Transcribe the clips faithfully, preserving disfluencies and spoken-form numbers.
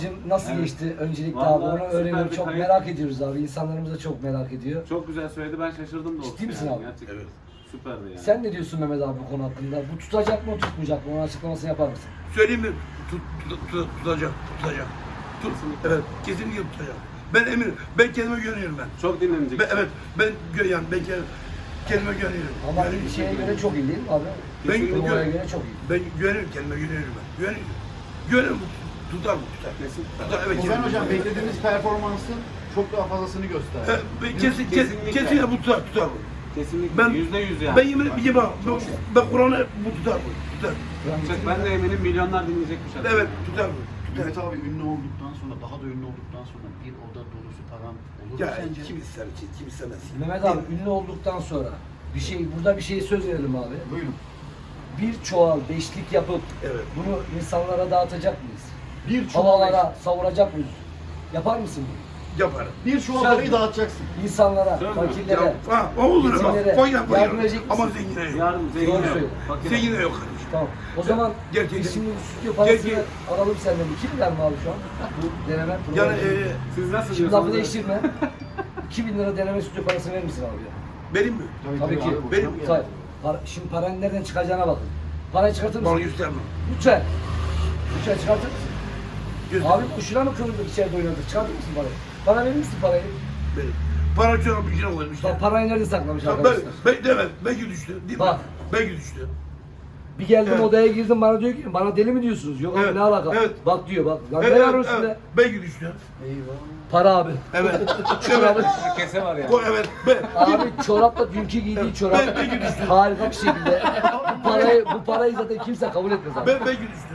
Nasıl Evet. geçti öncelikle Vallahi abi onu süper öğreniyoruz. bir Çok kayıt. merak ediyoruz abi. İnsanlarımız da çok merak ediyor. Çok güzel söyledi, ben şaşırdım da. Ciddi misin yani. abi? Gerçekten. Evet. Süperdi yani. Sen ne diyorsun Mehmet abi bu konu hakkında? Bu tutacak mı tutmayacak mı? Onun açıklamasını yapar mısın? Söyleyeyim mi? Tut, tut, tut, tutacak, tutacak. Tut, Kesinlikle. evet, kesinlikle tutacak. Ben eminim, ben kendime güveniyorum ben. Çok dinlenecek. ben evet, ben gö yani ben kendime, kendime güveniyorum. Ama Güveniyorum. şeye göre çok iyi değil mi abi? Ben Turnuvaya güveniyorum. göre çok iyi. Ben güveniyorum, kendime güveniyorum ben. Güveniyorum. Güveniyorum, tutar mı? Tutar. Kesin. Tutar, evet. Ozan kesin. Hocam beklediğimiz performansın çok daha fazlasını He, gösterdi. ben kesin, kesin, Kesinlikle. kesinlikle bu tutar, tutar bu. Kesinlikle. Ben- Yüzde yüz yani. Ben yemin ederim, bak, ben, ben Kur'an'a bu tutar bu, tutar. Çok, ben de eminim milyonlar dinleyecek bu şarkıyı. Evet, tutar bu. Tutar. Mehmet abi ünlü olduktan sonra, daha da ünlü olduktan sonra bir oda dolusu param olur mu Ya sence? kim ister ki, kim istemez. Mehmet abi ünlü olduktan sonra bir şey burada bir şeye söz verelim abi. Buyurun. Bir çuval beşlik yapıp Evet. bunu insanlara dağıtacak mıyız? Bir çuval, Havalara savuracak mıyız? Yapar mısın bunu? Yaparım. bir çuval Söz parayı mü? dağıtacaksın. İnsanlara, Söz mü? fakirlere, Ya, ha, o olur ama yetimlere fayda yapma yardım ya. edecek Ama misin? zengine yok. Yardım Doğru zengin yok. söylüyor. Fakir. Zengine yok kardeşim. Tamam. O zaman Gerçekten- biz şimdi bu stüdyo parasını Gerçekten- alalım senden. iki milyar mı abi şu an? Bu deneme Yani programı. e, Siz nasıl Şimdi lafı diyorsunuz? değiştirme. iki bin lira deneme stüdyo parası verir misin abi ya? benim mi? Tabii ki. abi, Benim- boşuna mı Tabii. yani? Para, şimdi paranın nereden çıkacağına bakın. Parayı çıkartır Bana mısın? gösterme. Lütfen. Lütfen çıkartır mısın? Göster. Abi boşuna mı kırıldık içeride oynadık? Çıkartır mısın parayı? Bana verir misin parayı? Benim. Para çorap bir şey koymuş. Bak parayı nerede saklamış Ben, arkadaşlar? ben, evet, belki düştü. Değil mi? Bak. Belki düştü. Bir geldim Evet. odaya girdim bana diyor ki bana deli mi diyorsunuz? Yok abi Evet, ne alaka? evet. Bak diyor bak. Lan Evet, ne var evet, üstünde? evet. Belki düştü. Eyvah. Para abi. Evet. Çorabı. evet. Kese var yani. O, evet. Ben, Abi çorapla dünkü giydiği çorap Ben- ben gülüştüm. harika bir şekilde. Bu parayı, bu parayı zaten kimse kabul etmez abi. ben, belki düştü.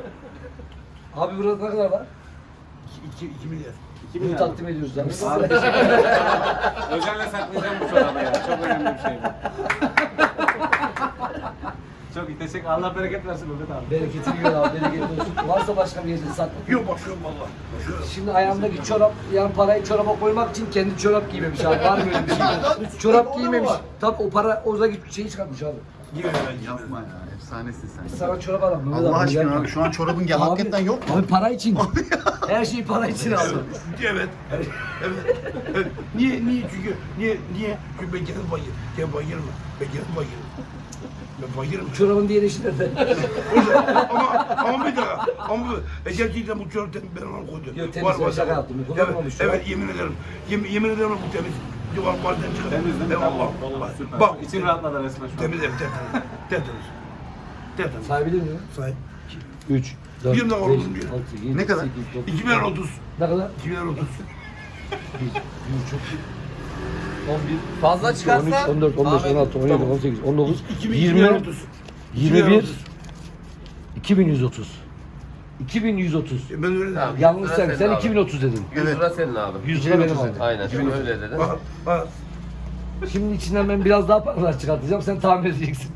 Abi burada ne kadar var? İki, iki, iki milyar. İki Bunu milyar. takdim ediyoruz abi. Abi teşekkür ederim. Özenle saklayacağım bu çorabı ya. Çok önemli bir şey bu. Çok iyi. Teşekkür. Allah bereket versin Mehmet abi. Bereketini gör abi, bereketli olsun. Varsa başka bir yerde sakla. Yok bakıyorum valla. Bakıyorum. Şimdi ayağındaki çorap, yani parayı çoraba koymak için kendi çorap giymemiş abi. Var mı öyle bir şey? Çorap giymemiş. Tabii o para, oradaki şeyi çıkartmış abi. Gibi ben Yapma ya, efsanesin sen. Sana çorap alalım. Mehmet Allah abi, aşkına gel. abi şu an çorabın gel hakikaten yok mu? Abi para için. Her şey para için abi. Evet. Evet. evet. Niye? Niye? Çünkü niye? Niye? Çünkü ben kendim bayır. Ben bayırım. Ben kendim bayırım. Ben bayırım. Çorabın diğer işi nerede? ama ama bir dakika. Ama bu- e, gerçekten bu çorap temiz, ben onu koydum. Yok, temiz, ben şaka yaptım. Evet, Kullanmamış çorap. evet, yemin ederim. Yemin, yemin ederim bu temiz. Duvar bazen çıkar. Temiz değil mi? Evet, Tamam. bak, Vallahi bak, süper. Bak. İçin rahatladı resmen şu an. Temiz ev, tertemiz. Tertemiz. Tertemiz. Sahibi değil mi? Sahip. üç, dört, Bir de beş, oğlum diyor. altı, yedi, Ne kadar? sekiz, dokuz, iki bin otuz. Ne kadar? iki bin otuz. bir, bir, çok iyi. on bir, Fazla on üç, çıkarsa on dört, on beş, on altı, on yedi, Tamam. on sekiz, on dokuz, iki bin yirmi, otuz. yirmi bir, iki bin yüz otuz. iki bin yüz otuz. Ben öyle Tamam. dedim. Yanlış sen, Senin sen abi. iki bin otuz dedin. yüz Evet. lira senin abi. yüz lira benim abi. Aynen şimdi öyle dedin. Bak, bak. Şimdi içinden ben biraz daha paralar çıkartacağım, sen tahmin edeceksin.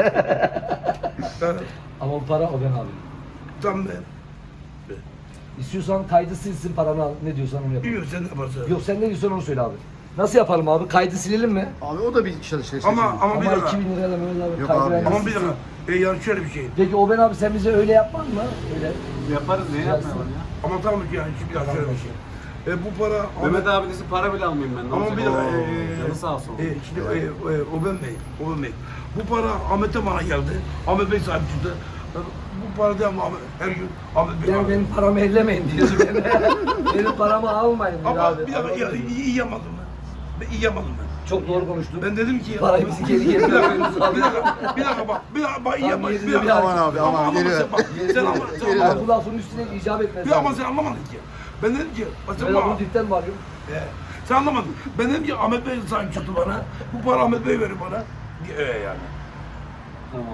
Ben, Ama o para o ben abi. tam ben. İstiyorsan kaydı silsin paranı al. Ne diyorsan onu yap. Bilmiyorum sen ne yaparsın. Yok sen ne diyorsan onu söyle abi. Nasıl yapalım abi? Kaydı silelim mi? Abi o da bir çalışıyor. Ama ama bir Ama dakika. iki bin lirayla Mehmet abi Yok kaydı abi. vermez. Ama bir dakika. E, yani şöyle bir şey. Peki o ben abi sen bize öyle yapman mı? Öyle. Yaparız. Niye Gelsin. yapmayalım ya? Ama tamam ki yani şimdi şöyle bir şey. E, bu para... Mehmet abinizin para bile almayayım ben. Ne Ama olacak? bir dakika. Oo, E, Canı sağ olsun. E, şimdi e, e, Oben Bey, Oben Bey. Bu para Ahmet'e bana geldi. Ahmet Bey sahip çıktı. E, Bu para değil ama Ahmet, her gün Ahmet Bey Yani aldı. benim paramı ellemeyin diyor. benim paramı almayın diyor Ama abi. bir dakika ya, iyi, iyi yapmadım ben. Ben iyi yapmadım ben. Çok doğru konuştun. Ben dedim ki... Parayı bizi geri geri Bir dakika, veriyoruz bir abi. dakika, bir dakika bak, bir dakika bak, iyi Tamam, yapma, yerinde bir dakika. bir Aman abi aman Ama geliyor. sen bak, sen ama, sen Geliyor. ama, Abi bu lafın üstüne icap etmez. bir ama sen anlamadın ki. Ben dedim ki, bak sen Ben bak, bunu dipten mi arıyorum? Ee, sen anlamadın. Ben dedim ki Ahmet Bey sahip çıktı bana. Bu para Ahmet Bey verir bana. Ee, yani. Tamam.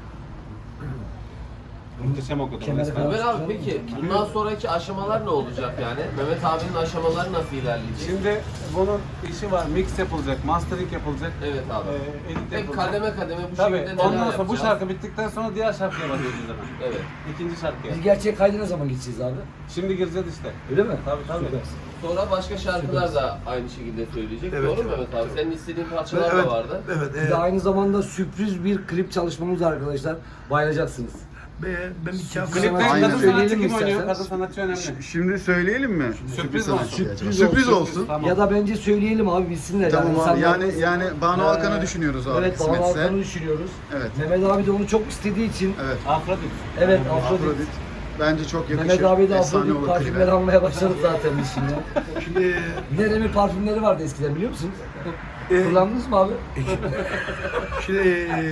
Muhteşem okudum. Kemeri resmen. falan- Mehmet abi peki bundan sonraki aşamalar ne olacak yani? Mehmet abinin aşamaları nasıl ilerleyecek? Şimdi bunun işi var. Mix yapılacak, mastering yapılacak. Evet abi. Ee, edit Hep yapılacak. kademe kademe bu Tabii. şekilde neler Ondan sonra bu yapacağız? şarkı bittikten sonra diğer şarkıya başlıyoruz hemen. Evet. İkinci şarkıya. Biz gerçek kaydı ne zaman gideceğiz abi? Şimdi gireceğiz işte. Öyle mi? Tabii, tabii. Süpersin. Sonra başka şarkılar da aynı şekilde söyleyecek. Evet, Doğru mu evet, Mehmet abi? evet. Senin istediğin parçalar Evet, da vardı. evet. Bir e, de aynı zamanda sürpriz bir klip çalışmamız var arkadaşlar. Bayılacaksınız. Be, ben bir kağıt Klipte Aynen. kadın sanatçı Söyleyelim kim oynuyor? isterseniz. Kadın sanatçı önemli. Şimdi söyleyelim mi? Sürpriz sanatçı olsun. gerçekten. Sürpriz Sürpriz olsun. olsun. Tamam. Ya da bence söyleyelim abi bilsinler. Tamam abi. insanlar- Yani yani Banu Ee, Alkan'ı düşünüyoruz abi Evet Banu kısmetse. Alkan'ı düşünüyoruz. Evet. Mehmet abi de onu çok istediği için. Evet. Afrodit. Evet Afrodit. Afrodit. Bence çok yakışır. Mehmet abi de Efsane Afrodit olur parfümleri klibe. almaya başladı zaten biz şimdi. Şimdi Neremi parfümleri vardı eskiden biliyor musunuz? e, Kullandınız mı abi? şimdi e, e,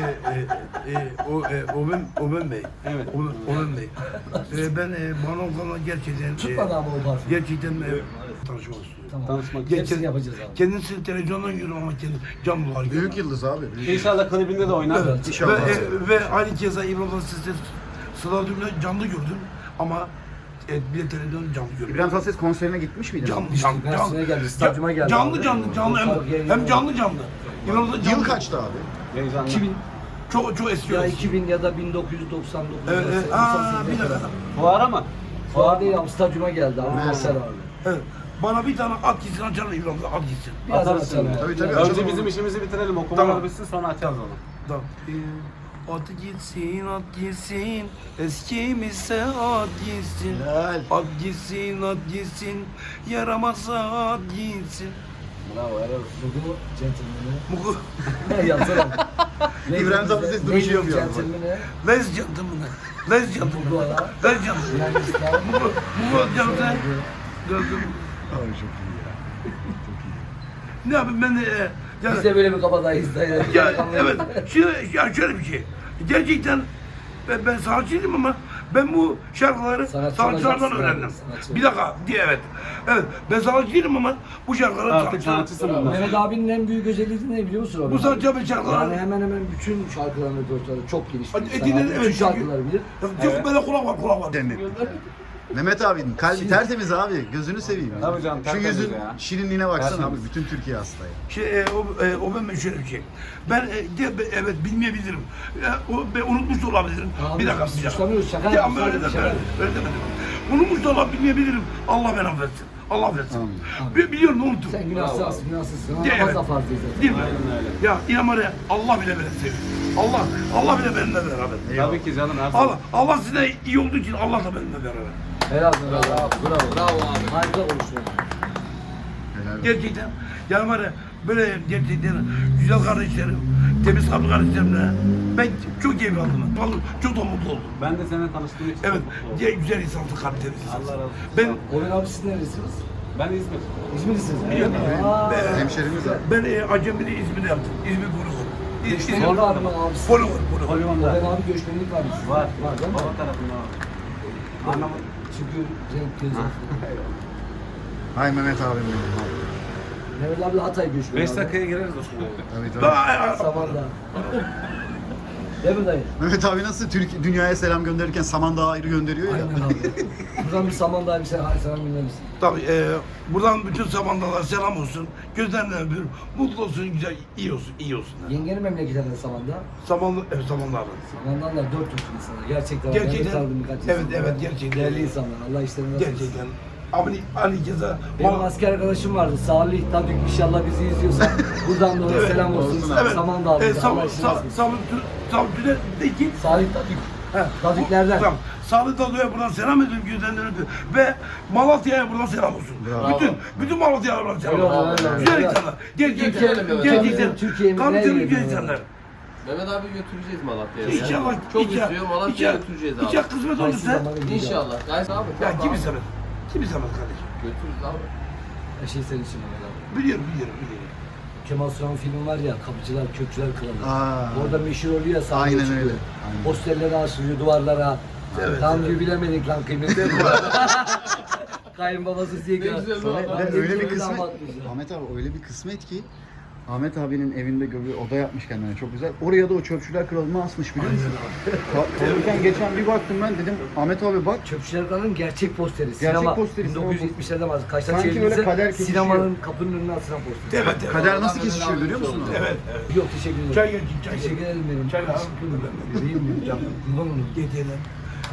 e, o e, Omen Omen Bey. Evet. Omen, Omen Bey. E, ben e, Banu Alkan'la gerçekten Tutmadı e, ama o parfüm. gerçekten e, tanışmak istiyorum. Tamam. Tanışmak Gel- Hepsini yapacağız abi. Kendisi televizyondan görüyorum ama kendi canlı var. Büyük yıldız abi. Büyük yıldız. İnşallah klibinde de oynar. Evet. İnşallah. Ve, e, ve aynı keza İbrahim Tatlıses'i stadyumda canlı gördüm ama e, bir de televizyonda canlı gördüm. İbrahim Tatlıses konserine gitmiş miydin? Canlı İşte canlı Mersin'e geldi, stadyuma geldi Canlı abi. canlı canlı hem, hem canlı canlı. İbrahim Tatlıses Yıl canlı. kaçtı abi? Heyecanlı. iki bin Çok çok eski. ya eski. iki bin ya da bin dokuz yüz doksan dokuz. Evet, evet. Aa, bir dakika. Fuar ama. Fuar değil abi stadyuma geldi abi. Mersin. Konser abi. Evet. Bana bir tane at gitsin açar mı İbrahim Tatlıses? At gitsin. Biraz Atarsın açalım ya. abi. Tabii, tabii. Biraz- Önce bizim işimizi bitirelim. Okumalar Tamam. bitsin sonra açacağız onu. Tamam. Ee, At gitsin, at gitsin, eskimizse at gitsin. Helal. At gitsin, at gitsin, yaramazsa at gitsin. Bravo helal olsun. Bu gentleman'ı. Mugu, Yapsana. İbrahim Tatlıses duruşu yapıyor abi. Gentleman'ı. les gentleman'ı, les gentleman'ı, les gentleman'ı. Yani İstanbul. Mugu, mugu gentleman'ı. Gördüm. Abi çok iyi ya. Çok iyi. Ne yapayım ben de, e, yani, Biz de böyle bir kabadayız da yani. ya, evet, şimdi, ya şöyle bir şey. Gerçekten ben, ben sanatçıydım ama ben bu şarkıları Sanatçı sanatçılardan olacaksın abi, öğrendim. sanatçı. Bir dakika, diye evet. Evet, ben sanatçıydım ama bu şarkıları Artık sanatçılar- sanatçısın bundan. Mehmet abinin en büyük özelliği ne biliyor musun? Bu Orhan? sanatçı abi şarkıları. Yani hemen hemen bütün şarkılarını repertuarı çok geniş. bir Hadi insan edinin, abi. Bütün evet, şarkıları bilir. Çok böyle kulak var, kulak var. Cennet. Mehmet abinin kalbi tertemiz abi. Gözünü seveyim. ya. Tabii canım, Şu tertemiz yüzün ya. şirinliğine baksana Tertemiz. abi. Bütün Türkiye hasta ya. Şey, e, o, e, o ben şöyle bir şey. Ben e, de, be- evet bilmeyebilirim. E, o, ben unutmuş da olabilirim. Abi, bir dakika, biz bir dakika. suçlamıyoruz, şaka Ya, ama yapıyoruz, öyle şaka demedim, öyle demedim. Unutmuş da olabilirim, bilmeyebilirim. Allah beni affetsin. Allah affetsin. Amin. Bi- Biliyorum unuttum. Sen günahsızsın, günahsızsın. Değil Namaz mi? da farz değil zaten. Değil mi? Aynen öyle. Ya inan var ya, Allah bile beni seviyor. Allah, Allah bile benimle beraber. Tabii ki canım her zaman. Allah, Allah size iyi olduğu için Allah da benimle beraber. Helal olsun. Bravo, bravo, bravo abi. Harika konuştun. Helal olsun. Gerçekten, yani var ya, böyle gerçekten güzel kardeşlerim, temiz kalpli kardeşlerimle ben çok keyif aldım. Vallahi çok da mutlu oldum. Ben de seninle tanıştığım için Evet, çok mutlu oldum. ge- güzel insansın, kalp temiz insansın. Allah razı olsun. Ben, Orhan abi siz neresiniz? Ben İzmir. İzmirlisiniz. Biliyorum. Öyle mi? Aa, Ben- Hemşerimiz abi. ben e, Acemili İzmir'de yaptım. İzmir Poligon. İzmir Göçmenlik var mı abi? Poligon, Poligon. Poligon'da. Orhan abi göçmenlik var mı? sizin? Var. Var değil mi? Baba tarafında var. Anlamadım. Çünkü renk göz Hay Mehmet abim benim. abi. Mehmet abi de Hatay göçmeni. beş abi. dakikaya gireriz o zaman. Tabii tabii. Ben- Samandağ. Değil mi dayı? Mehmet abi nasıl Türk dünyaya selam gönderirken Samandağ'a ayrı gönderiyor ya. Aynen abi. Buradan bir Samandağ'a bir selam, selam gönderir misin? Tabii, e, buradan bütün samandalara selam olsun. Gözlerinden öpüyorum. Mutlu olsun, güzel, iyi olsun, iyi olsunlar. Yengenin memleketinden Samandağ. Samanlı, evet Samandağ'da. Samandağlar dört Türk insanlar. Gerçekten. var. Gerçekten. Ben de tanıdım birkaç Evet, insan. evet, gerçekten. Değerli insanlar. Allah işlerini nasıl etsin. Gerçekten. Abi, Ali Keza. Benim asker arkadaşım vardı. Salih Tadük inşallah bizi izliyorsa buradan da ona Evet, selam olsun. olsun Evet. Samandağ'da. E, Allah Sam, işini Sam, nasıl etsin. Sam, Sam, de ki. Salih Tadük. He, Tadüklerden. bu- Tamam. Sağlık Tadı'ya buradan selam ediyorum, gözlerinden öpüyorum. Ve Malatya'ya buradan selam olsun. Bravo. Bütün, bütün Malatya'ya buradan selam Öyle olsun. oldu, öyle oldu. Güzel Öyle. insanlar. Gerçekten, Götürelim Mehmet. gerçekten. Türkiye'miz Tabii nereye tabii güzel gidiyor? insanlar. Mehmet abi götüreceğiz Malatya'ya. ya. İnşallah. Çok inşallah- istiyor Malatya'ya inşallah- götüreceğiz abi. İnşallah kısmet Kayısı olursa. zamanı gidiyor. İnşallah. Guys abi. Ya tamam kim abi. istemez? Kim istemez kardeşim? Götürürüz abi. Her şey senin için Mehmet abi. Biliyorum, biliyorum, biliyorum. Kemal Sunal filmi var ya, Kapıcılar, Kökçüler Kralı. Aa. Orada meşhur oluyor ya, sahneye Aynen çıkıyor. öyle, aynen. Posterleri asılıyor duvarlara. Evet, Tam evet. diyor bilemedik lan kıymetini. Kayınbabası diye Ne ki. güzel Ve, baba. ve öyle bir Güzel kısmet, anlatmış ya. Ahmet abi öyle bir kısmet ki Ahmet abinin evinde bir oda yapmış kendine çok güzel. Oraya da o çöpçüler kralını asmış biliyor musun? Ka- Kalırken geçen bir baktım ben dedim Ahmet abi bak. Çöpçüler Kralı'nın gerçek posteri. Sinema. posteri, bin dokuz yüz yetmişlerde var. Kaçta Sanki çevrilse böyle kader kesişiyor. sinemanın kapının önüne asılan posteri. Evet, evet. Kader Oradan nasıl Mehmet kesişiyor abi görüyor musun? oldu. Evet, evet. Yok teşekkür ederim. Çay gel, çay Teşekkür gel. ederim benim. Çay al. Teşekkür ederim. Vereyim mi? Canım, kurban olun. Getirelim.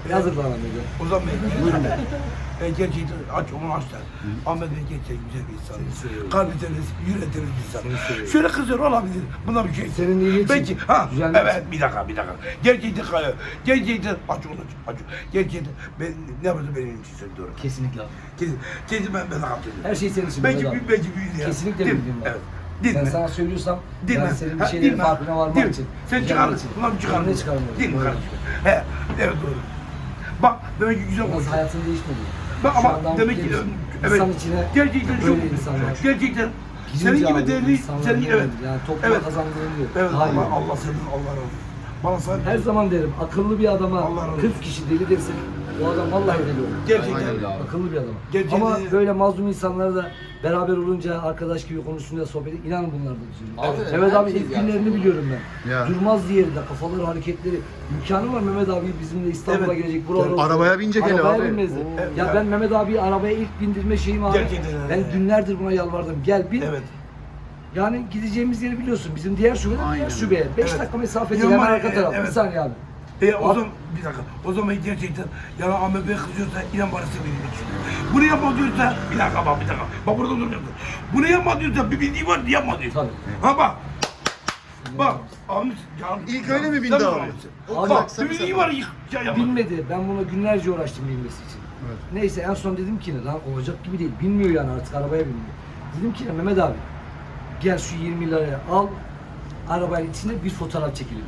Yazık lan Ahmet'e. Ozan Bey, buyurun Bey. E, gerçekten aç, onu açlar. Ahmet Bey gerçekten güzel bir insan. Kalbi temiz, yüreği temiz bir insan. Şöyle kızıyor olabilir. Buna bir şey. Senin iyiliğin için. Belki, ha, Güzel evet bir dakika, bir dakika. Gerçekten, gerçekten aç onu, aç. Gerçekten, ben ne yapıyorsun benim için söylüyorum. Kesinlikle abi. Kesin, kesin ben, ben katılıyorum. Her şey senin için Belki, Mehmet abi. belki büyüdü ya. Kesinlikle Değil mi? bildiğim var. Evet. Değil Ben mi? sana söylüyorsam Değil ben mi? senin bir Ha, şeylerin değil mi? farkına varmak Değil mi? için. Sen güzellik çıkarırsın. için. Ulan çıkarırsın. Önüne çıkarmıyorum. Değil mi Doğru. kardeşim? He, evet doğru. Bak demek ki güzel Yalnız konuşuyor. hayatın değişmedi. Bak Şu ama anda demek ki mutlu evet. İnsan içine Gerçekten çok böyle insanlar. gerçekten Gidince senin gibi abi, değerli insanlar senin bilmiyorum. evet. Yani topluma Evet. kazandığını diyor. Evet Hayır. Allah Allah senin Allah razı olsun. Bana sen Her zaman derim akıllı bir adama Allah razı olsun. kırk kişi deli dersin. O adam vallahi deli olur. gerçekten Aynen öyle abi. Akıllı bir adam. Gerçekten- Ama böyle mazlum insanlar da beraber olunca arkadaş gibi konuşunca sohbet edip inanın bunlar da Abi, düzülüyor. Mehmet abi herkes ilk yani. günlerini biliyorum ben. Ya. Durmaz diğerinde kafaları hareketleri. İmkanı var Mehmet abi bizimle İstanbul'a Evet. gelecek. Buralara Arabaya binecek hele Arabaya abi. binmezdi. Oo. Ya ben Mehmet abiyi arabaya ilk bindirme şeyim abi. Gerçekten öyle. Ben günlerdir buna yalvardım. Gel bin. evet. Yani gideceğimiz yeri biliyorsun. Bizim diğer şube de Aynen. diğer şubeye. beş Evet. dakika mesafede Yaman- hemen arka taraf. evet. Bir saniye abi. E o Abi- zaman bir dakika. O zaman gerçekten yani Ahmet Bey kızıyorsa inan bana benim için. Bunu yapma diyorsa bir dakika bak bir dakika. Bak burada duracaksın. Bunu yapma diyorsa bir bildiği var yapma diyor. Tabii. Ha bak. Bak Ahmet ya. İlk öyle mi bindi Sen abi? Ahmet'sin. Abi, Bak sen- bir bildiği var ya yapma. Bilmedi. Ben buna günlerce uğraştım bilmesi için. Evet. Neyse en son dedim ki ne lan olacak gibi değil. Bilmiyor yani artık arabaya binmiyor. Dedim ki ne Mehmet abi gel şu yirmi liraya al arabanın içinde bir fotoğraf çekelim.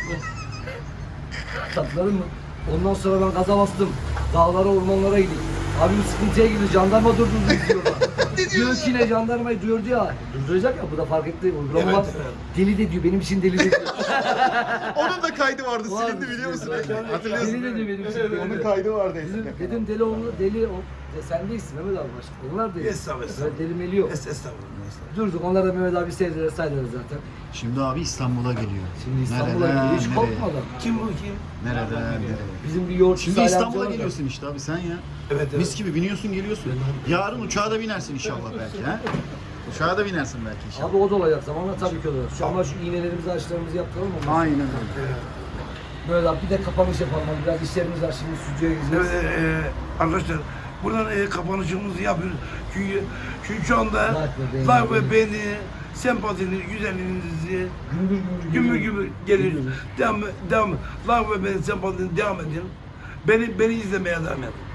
Tatların mı? Ondan sonra ben gaza bastım. Dağlara ormanlara gittim. Abim sıkıntıya girdi. Jandarma durdurdu diyor bana. Diyor ki ne jandarmayı duyurdu ya. Durduracak ya bu da fark etti. Uygulama Evet, var. evet. Deli de diyor benim için deli de diyor. Onun da kaydı vardı, Vardı, silindi biliyor musun? silindi. Hatırlıyorsun Deli de değil diyor mi? benim için. deli Onun de. kaydı vardı Dedim, eskiden. dedim deli oğlu deli o. Ya sen değilsin Mehmet abi başka. Onlar değil. Estağfurullah, estağfurullah. Öyle deli meli yok. Es- Estağfurullah. estağfurullah. Durduk onlar da Mehmet abi sevdiler saydılar zaten. Şimdi abi İstanbul'a geliyor. Şimdi İstanbul'a Nereden, gidiyor hiç nereye? korkmadan. Kim bu kim? Nereden nereye? Bizim bir yoğurt Şimdi Salih İstanbul'a amca var da. geliyorsun işte abi sen ya. Evet evet. Mis gibi biniyorsun geliyorsun. Yarın uçağa da binersin inşallah belki ha. Uçağa da binersin belki inşallah. Abi o da olacak zamanla tabii ki olacak. Şu an şu iğnelerimizi aşılarımızı yaptıralım mı? Aynen öyle. Böyle abi bir de kapanış yapalım. Hadi biraz işlerimiz var şimdi stüdyoya gideceğiz. Evet, e, arkadaşlar buradan e, kapanışımızı yapıyoruz. Çünkü çünkü şu anda Like ve beğeni. like ve beğeni, sempatiniz, güzelliğinizi Gümbür gümbür gümbür geliyor. gümbür geliyor. Geliyor. Devam, devam. Like ve beğeni, sempatiniz devam edin. Beni beni izlemeye devam edin.